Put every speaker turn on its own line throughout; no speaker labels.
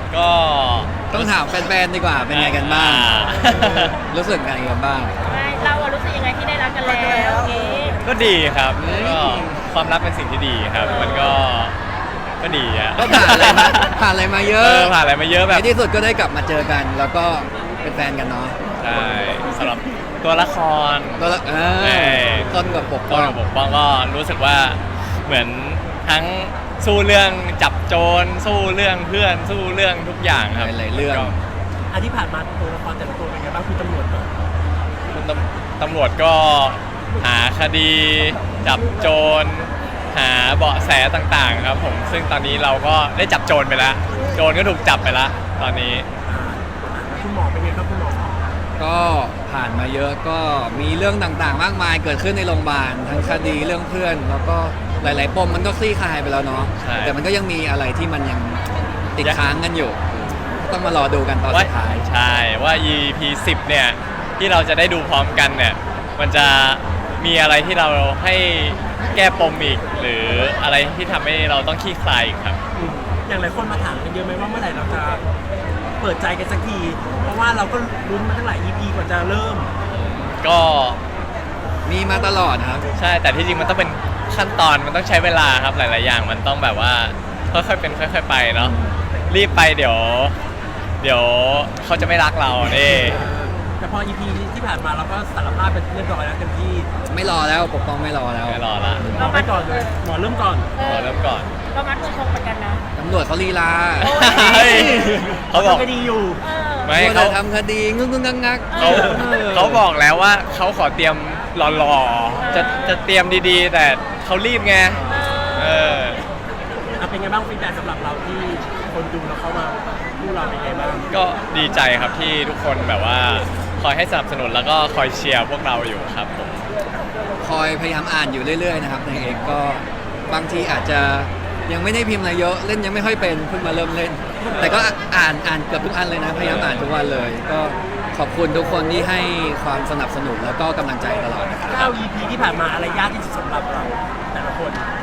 ก็
ต้องถามแฟนๆดีกว่าเป็นไงกันบ้าง รู้สึกไงกันบ้าง
ไม่เราอะรู้สึกยังไงที่ได้รักกันแล้วนี้
ก็ดีครับก็ความรักเป็นสิ่งที่ดีครับ มันก็ดีอะ
ก็ผ่านอะไรมาผ่านอะไรมาเยอะ
ผ่านอะไรมาเยอะแบบ
ในที่สุดก็ได้กลับมาเจอกัน แล้วก็เป็นแฟนกันเนาะ
ใช่สำหรับตัวละคร
แล้วต้นกับปก
ก็
ป้อง
ปกป้องก็รู้สึกว่าเหมือนทั้งสู้เรื่องจับโจรสู้เรื่องเพื่อนสู้เรื่องทุกอย่างครับ
หลายๆเรื่อง
ก็
อันที่ผ่านมาตัวละครแต่ละตัวเป็นไงบ้างคือตำรวจก่อน
คุณตำรวจก็หาคดีจับโจรหาเบาะแสต่างๆครับผมซึ่งตอนนี้เราก็ได้จับโจรไปแล้วโจรก็ถูกจับไปแล้วตอนนี้
แล้วคุณหมอเป็นไงครับคุณหมอ
ก็ผ่านมาเยอะก็มีเรื่องต่างๆ มากมายเกิดขึ้นในโรงพยาบาลทั้งคดีเรื่องเพื่อน แล้วก็หลายๆปมมันก็คลี่คลายไปแล้วเนาะ
ใช่
แต่มันก็ยังมีอะไรที่มันยังติดค้างกันอยู่ต้องมารอดูกันตอน
ว่า
สุดท้าย
ใช่ว่า EP 10เนี่ยที่เราจะได้ดูพร้อมกันเนี่ยมันจะมีอะไรที่เราให้แก้ปมอีก หรืออะไรที่ทำให้เราต้องคลี่คลายอีกครับ
อย่างหลายคนมาถามกันเยอะไหมว่าเมื่อไหร่เราจะเปิดใจกันสักทีเพราะว่าเราก็ลุ้นมาตั้งหลาย EP กว่าจะเริ่ม
ก็
มีมาตลอดครับ
ใช่แต่ที่จริงมันต้องเป็นขั้นตอนมันต้องใช้เวลาครับหลายๆอย่างมันต้องแบบว่าค่อยๆเป็นค่อย ๆ ไปเนาะรีบไปเดี๋ยวเขาจะไม่รักเราเนี่
แต่พอ EP ที่ผ่านมาเราก็สารภาพเป็นเรียบร้อยแล้วเต็มที่
ไม่รอแล้วปกป้องไม่รอแล้ว
ไม่รอละ
หมอไปก่อนเลยหมอเริ่มก่อน
รอเริ่มก่อน
เรามัดมือชงเหมือนกันนะ
ตำรวจเขาลีลา
เฮ้ยเขาบอก
ก็ดีอยู่
เออ
ไม่
เขา
เขา
ทำคดีงึกๆงักๆ
เขาบอกแล้วว่าเขาขอเตรียมหล่อๆจะเตรียมดีๆ แต่เขารีบไงเออ
เป็นไงบ้างฟีดแบ็กสำหรับเราที่คนดูแล้วเข้ามาพูดเราเป็นไงบ้าง
ก็ดีใจครับที่ทุกคนแบบว่าคอยให้สนับสนุนแล้วก็คอยเชียร์พวกเราอยู่ครับผม
คอยพยายามอ่านอยู่เรื่อยๆนะครับในเองก็บางทีอาจจะยังไม่ได้พิมพ์อะไรเยอะเล่นยังไม่ค่อยเป็นเพิ่งมาเริ่มเล่น แต่ก็อ่านเกือบทุกอันเลยนะพยายามอ่านทุกวันเลย ก็ขอบคุณทุกคนที่ให้ความสนับสนุนแล้วก็กำลังใจตลอดนะครับ
9 EP ที่ผ่านมาอะไรยากที่สุดสำหรับเราแต่ละคน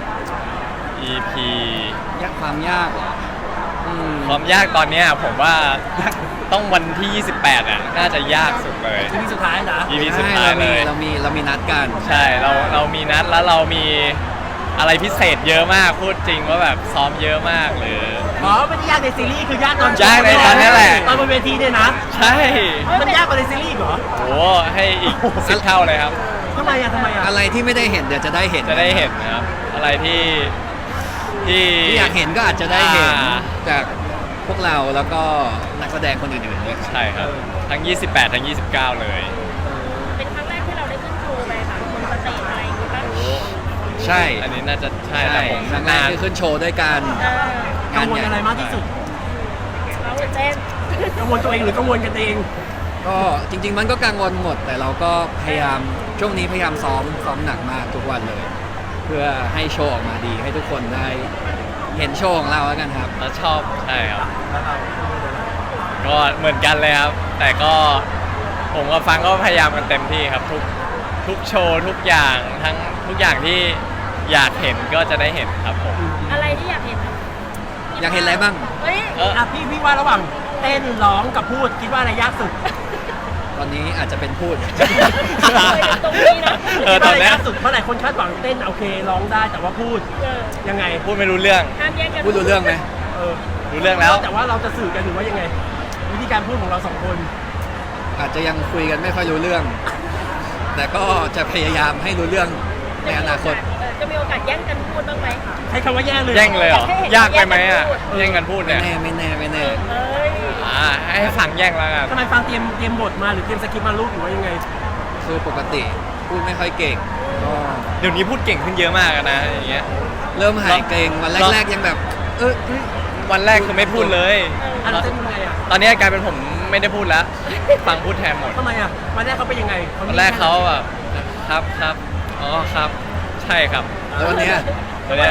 EP
ความยากเหรอ
ความยากตอนเนี้ยผมว่าต้องวันที่ 28อ่ะน่าจะยากสุดเลย
EP สุดท้ายนะ
EP สุด
ใช่
ท้ายเลย
เรามีนัดกัน
ใช่เรามีนัดแล้วเรามีอะไรพิเศษเยอะมากพูดจริงว่าแบบซ้อมเยอะมากหรือ
อ๋อไม่ได้ยากในซีรีส์คือยากตอน
ยากในตอนนี้แหละ
ตอนบนเวทีเนี่ยนะ
ใช่
มันยากกว่าในซีรีส์อีกเหรอ
โหให้อีก10 เท่าเลยครับ
ทำไมอ่ะ
อะไรที่ไม่ได้เห็นเดี๋ยวจะได้เห็น
จะได้เห็นนะครับ อะไรที่
ที่อยากเห็นก็อาจจะได้เห็น
อ่า
จากพวกเราแล้วก็นักแสดงคนอื่นๆด้วย
ใช่ครับทั้ง 28 ทั้ง 29 เลย
เป็นครั้งแรกที่เราได้ขึ้นโชว์ไปค่ะบนสเตจอะไรอย่างงี้ป่ะ
ใช่
อันนี้น่าจะใช่แต่
ใช่
ผม
ครั้งแรกที่ขึ้นโชว์ด้วยกัน
เออ
กังวลอะไรมากที่สุด
เราเต้น
กังวลตัวเองหรือกังวลกันเอง
ก็จริงๆมันก็กังวลหมด แต่เราก็พยายามช่วงนี้พยายามซ้อมหนักมากทุกวันเลย เพื่อให้โชว์ออกมาดีให้ทุกคนได้เห็นโชว์ของเราแล้วกันครับ
แล้วชอบใช่ครับ ก็เหมือนกันเลยครับ แต่ก็ผมกับฟังก็พยายามกันเต็มที่ครับ ทุกโชว์ทุกอย่างทั้งทุกอย่างที่อยากเห็นก็จะได้เห็นครับผม
อะไรที่อยากเห็น
อยากเห็นอะไรบ้าง
เฮ้ย
พี่ว่าระหว่างเต้นร้องกับพูดคิดว่าอะไรยากสุด
ตอนนี้อาจจะเป็นพูด
ตรงนี้นะ
คิดว่า
ตอ
อะ
น
ไร
เนี้ย
ยากสุดเพราะหลายคนคาดหวังเต้นโอเคร้องได้แต่ว่าพูด
เออ
ยังไง
พูดไม่รู้เรื่อง
ห้ามแย่งกัน
พูดรู้เรื่องไหม
เออ
รู้เรื่องแล้ว
แต่ว่าเราจะสื่อกันหรือว่ายังไง วิธีการพูดของเราสองคน
อาจจะยังคุยกันไม่ค่อยรู้เรื่อง แต่ก็จะพยายามให้รู้เรื่องในอนาคต
จะมีโอกาสแย่งกันพูดบ้างไหม
ใช้คำว่าแย่งเลย
แย่งเลยเหรอ
ให้เห็น
ยากไปไหมอ่ะ
แย่งกันพูด
แย่งกันพูด
ไม่
เนี่ย
แน่
เอ้ย
ให้ฟังแย่งแล้วกัน
ทำไมฟังเตรียมบทมาหรือเตรียมสคริปต์มาลูกหรือว่ายังไง
คือปกติพูดไม่ค่อยเก่งก็
เดี๋ยวนี้พูดเก่งขึ้นเยอะมากนะอย่างเงี้ย
เริ่มหายเกรงวันแรกๆยังแบบ เอ้ย
วันแรกคือไม่พูดเลย
อ่ะเราจะยังไงอ่ะ
ตอนนี้กลายเป็นผมไม่ได้พูดแล้ว ฟังพูดแทนหมด
ทำไมอ่ะวันแรกเขาเป็นยังไง
วันแรกเขาแบบครับอ๋อครับใช่ครับ
แล้ววันเนี้ย
ตอนเนี้ย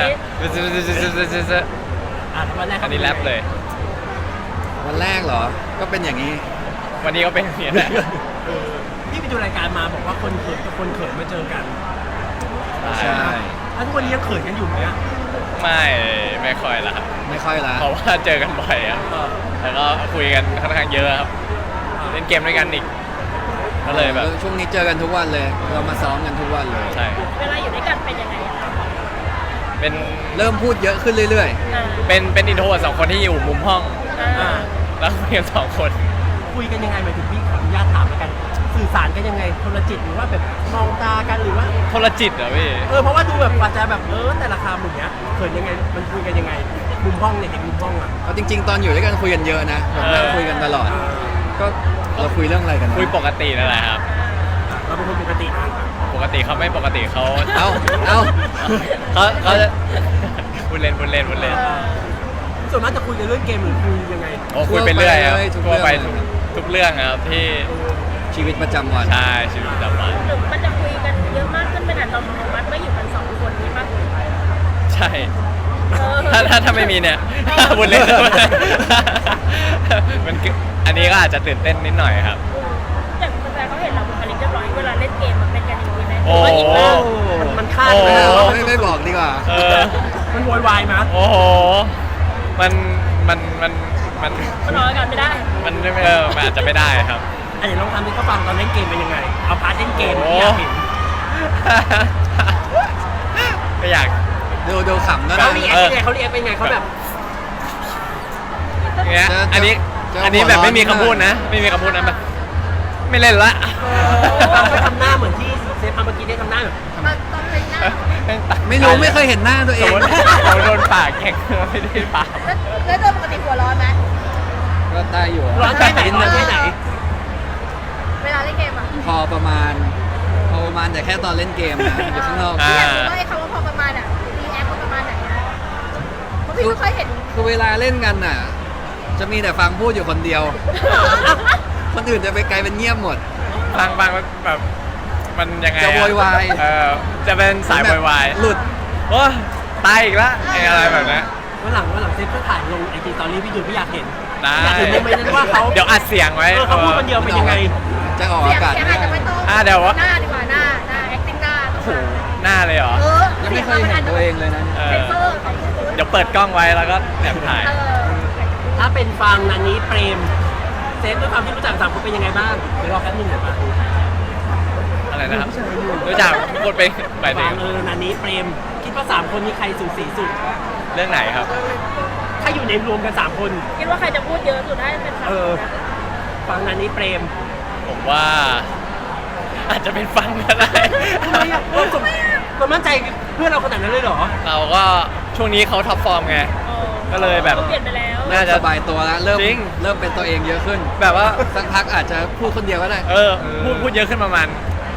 วันแรก
อันนี้แรปเลย
วันแรกเหรอ ก็เป็นอย่างนี้
วันนี้ก็เป็นอย่างนี้แหละ
พี่ไปดูรายการมาบอกว่าคนเขินกับคนเขินมาเจอกัน
ใช่
ถ้าทุกวันนี้ยังเขินกันอยู่ไหมอ่ะ
ไม่ค่อยละครับ
ไม่ค่อยละ
เพราะว่าเจอกันบ่อยอ่ะ
แ
แล้วก็คุยกันค่อนข้างเยอะครับเล่นเกมด้วยกันอีกก็เลยแบบ
ช่วงนี้เจอกันทุกวันเลย เรามาซ้อมกันทุกวันเลย
ใช่
เวลาอยู่ด้วยกันเป็นยังไงอะคะ
เป็น
เริ่มพูดเยอะขึ้นเรื่อย
อ่า
เป็นอินโทรเวิร์ตสองคนที่อยู่มุมห้อง
อ่า
แล้วคุยกันสองคน
คุยกันยังไงหมายถึงพี่ขออนุญาตถามแล้วกัน สื่อสารกันยังไงคนละจิตหรือว่าแบบมองตากันหรือว่า
คนละจิตเหรอพี่
เพราะว่าดูแบบกว่าจะแบบแต่ละคำอย่างเงี้ยเขินยังไงมันคุยกันยังไงมุมห้องเนี่ยเด็กมุมห้องอ่ะ
ๆเอาจริง ๆ ตอนอยู่ด้วยกันคุยกันเยอะนะแบบนั่งคุยกันตลอด ก็เราคุยเรื่องอะไรกันนะ
คุยปกตินั่นแหละครับ
เราเป็นคนปกตินะ
ปกติเขาไม่ปกติเขา
เอ้า
เขาจะพูดเล่น
ส่วนมากจะคุยกันเรื่องเกมหรือคุยยังไง
โอ้คุยไปเรื่อยครับ
ทุก
ทั่วไป
เรื่อง
ทุกเรื่องครับที่
ชีวิตประจำวัน
ใช่ชีวิตประจำวัน
หรือมันจะคุยกันเยอะมากขึ้นเป็นอัตโนมัติเมื่ออยู่กันสองคนนี้ป่ะ
ใช่
เออ
ถ้าไม่มีเนี่ยพูดเล่นมันคืออันนี้ก็อาจจะตื่นเต้นนิดหน่อยครับ
อย่างแฟนๆเขาเห็นเราบุคลิกเรียบร้อยเวลาเล่นเกมมันเป็นกันอย่างนี้ไหม
โอ้
หรือว่าอีกหน้า
มันคาด
โอ้
ไม่ได้หรอ
ไม่บอกดีกว่า
เออ
มันโวยวายมั้ย
โอ้โหมัน
มันรอกันไม่ได้
มันอาจจะไม่ได้ครับ
อันนี้ลองทำให้เขาฟังตอนเล่นเกมเป็นยังไงเอาพาร์ทเล่นเกม
โอ้
ที่อยากเห็น
ไม่อยาก
ดูขำนะ
เขาเรียกเป็นไงเขาเรียกเป็นไงเขาแบบ
เงี้ย
เจอ
อันนี้
เจอ
อันนี้
หัว
แบบ
ร้อน
ไม่มี
นิดหน่อย
คำพูดนะ ไม่มีคำพูดนะแบบไม่เล่นละ
เราไปทำหน้าเหมือนที่เซฟทำเมื่อกี้ได้ทำหน้าแบบ
ตอนเพลงหน้า
ไม่รู้ไม่เคยเห็นหน้าตัวเอ
สม
ง
มติเราโดนปากแข่งไม่ได้ปาก
แล้วโดยปกติหัวร้อนไหม
ก็ได้อยู่
ร้อนแค่ไหนร้อนแค่ไหน
เวลาเล่นเกมอ่ะ
พอประมาณแต่แค่ตอนเล่นเกมนะอยู่ข้างนอก
พี่อยากรู้ว่าไอ้คำว่าพอประมาณอ่ะรีแอคประมาณไหนอะเพราะพี่ไม่ค่อยเห็น
คือเวลาเล่นกันน่ะ จะมีแต่ฟังพูดอยู่คนเดียว คนอื่นจะไปไกลเป็นเงียบหมด
ฟังแบบมันยังไงอ
จะโวยวาย
จะเป็นสายโวยวาย
หลุด
โอ้ตายอีกแล้วอะไรแบบนี้
วันหลังเซฟก็ถ่ายลงไอจีตอรี่พี่ดูพี่อยากเห็น
ได้
อยากเห็นโมเมนต์นั้นว่าเขา
เดี๋ยวอัดเสียงไว้
เขาพูดคนเดียวเป็นยังไง
จะออก
เสีย
อาง กาศ
เสียง
ไม่
อาจจะ
ได้
ไม่ต้อง
เดี๋ยว
หน้าดีกว่าหน้า acting หน้าต้องมา
หน้าเลยเหรอ
ยังไม่เคยเห็นตัวเองเลยนะ
เอ
เซ
อน
เซอร์ของคุณ
เดี๋ยวเปิดกล้องไว้แล้วก็แอบถ่าย
ถ้าเป็นฟังนันนี้เปรมเซฟด้วยความที่รู้จักสามคนเป็นยังไงบ้างเดี๋ยวรอแป๊บนึงเดี๋ยวมา
อะไรนะครับรู้จักพูดไปไป
ฟั
ถึ
ง
ง
นันนี้เปรมคิดว่าสามคนนี้ใครสูสีสุด
เรื่องไหนครับ
ถ้าอยู่ในรวมกันสามคน
คิดว่าใครจะพูดเยอะสุดได้เป็นฝั่ง
ฟังนันนี้เปรม
ผมว่า อาจจะเป็นฟังก็ได้
ทำไมอ่ะเรามั่นใจเพื่อนเราขนาดนั้นเลยเหรอ
เราก็ช่วงนี้เขาท็อปฟอร์มไง ก็เลยแบบ
เปลี่ยนไปแล้ว
น่าจะ
สบายตัวแล้วเริ่ม
จริง
เป็นตัวเองเยอะขึ้น
แบบว่า
สักพักอาจจะพูดคนเดียวก็ได้
พูดเยอะขึ้นประมาณ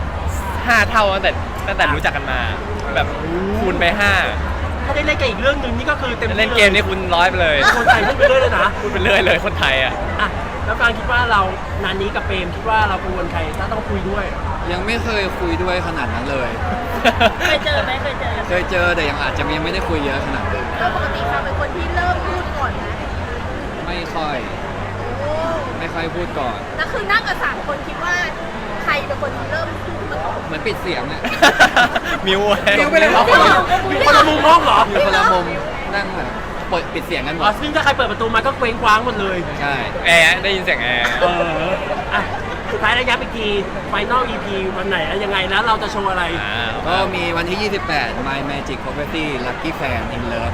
5 เท่าตั้งแต่รู้จักกันมา แบบคูณไป
ถ้าได้เล่นกันอีกเรื่องหนึ่งนี่ก็คือเต็ม
5
ที่
เล่นเกมนี่คูณ100ไปเลย
คนไทยพูดไปเรื่อยเลยนะ
พูดไปเรื่อยเลยคนไทยอ่ะ
อ่ะแล้วฟังคิดว่าเรานันนี้กับเปรมคิดว่าเรากังวลใครถ้าต้องคุยด้วย
ยังไม่เคยคุยด้วยขนาดนั้นเลย
เคยเจอไหมเคยเจอ
เคยเจอแต่ยังอาจจะยังไม่ได้คุยเยอะขนาดนั้น
ก็ปกติเขาเป็นคนที่เริ่มพูดก่อนนะ
ไม่ค่อยพูดก่อน
แล้วคือนั่งกับสามคนคิดว่าใครเป็นคนเริ่มพูดมาก่อน
เหมือนปิดเสียงอะ
มิว
มิวไปเลยเหรอ
มีคนละมุมห้องเหรอ
อยู่คนละมุมนั่งแบบปิดเสียงกันหม
อ๋อ
ด
ซึ่งถ้าใครเปิดประตูมาก็เคว้งคว้างหมดเลย
ใช่
แอร์ได้ยินเสียงแอร์
อ่ะสุดท้ายระยะไปกี่ไฟนอล EP วันไหนแล้วยังไงแล้วเราจะโชว์อะไร
ก็มีวันที่ 28 My Magic Property Lucky Fan in Love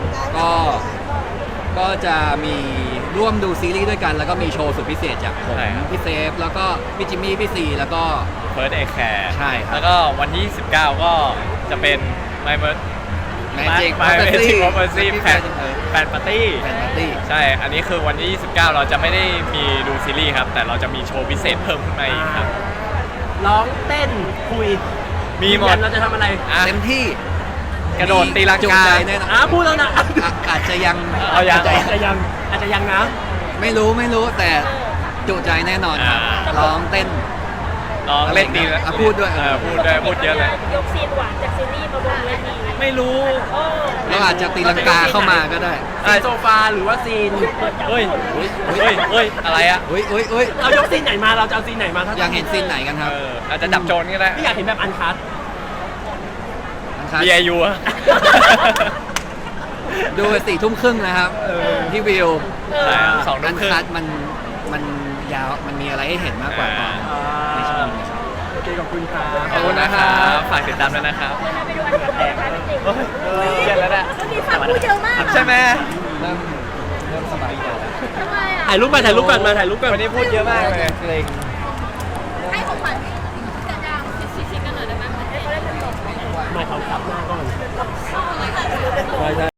ก็จะมีร่วมดูซีรีส์ด้วยกันแล้วก็มีโชว์สุดพิเศษจากผม
ใช่ครับ
พี่เซฟ แล้วก็พี่จิมมี่พี่ซีแล้วก็
เฟิร์สเอแคร์
ใช่ครับ
แล้วก็วันที่ 19 ก็จะเป็น My
Magic
Property
Property
แฟนปาร์ตี้
แฟนปาร์ตี้
ใช่ อันนี้คือวันที่ 29 เราจะไม่ได้มีดูซีรีส์ครับ แต่เราจะมีโชว์พิเศษเพิ่มขึ้นมาอีกครับ
ร้องเต้นคุย
มีหมด
ยืนยันเราจะทำอะไร
อ่ะ
เต็มที่
กระโดดตีลัง
จุ
กา
ใจแน่นอน
พูดแล้วนะ
อาจจะยัง
เอายัง
อาจจะยังนะ
ไม่รู้แต่จุใจแน่นอนครับ
อ่า
ร้องเต้น
ลองเล่นดีแล้ว
พูดด้วย
พูดเยอะเลย
ยกซีนหวานจากซีรีส์มาบนเวที
ไม่รู้
เราอาจจะตีลังกาเข้ามาก็ได้
ซีนโซฟาหรือว่าซีน
เฮ้ย เฮ้ย อะไรอ่ะ
อุ้ย
เรายกซีนไหนมาเราจะเอาซีนไหนมาถ้า
อยากเห็นซีนไหนกันครับ
อาจจะจับโจรก็ได้
พี่อยากเห็นแบบอันคัท
นะครับ
BIU อะ
ดู4 ทุ่มครึ่งนะครับที่วิว
ใช่ครับ2 ทุ่
อั
ม
น
ครึ่ง
คัดมันยาวมันมีอะไรให้เห็นมากกว่าตอนในช่วงนี้ครับ
โอเคขอบคุณครับ
ขอบคุณนะครับฝากติดตามด้วยนะครับ
เดี๋ยวเราไปดูอันเดียวกันนะคะจริงๆ
เย็นแล้วเนี่ย
วันนี้ฟังพูดเยอะมาก
ใช่ไหม
เริ่มสบายใจแล้ว
ทำไมอ่ะ
ถ่ายรูปก่อนมาถ่ายรูปก่อน
วันนี้พูดเยอะมากเลย
เกรง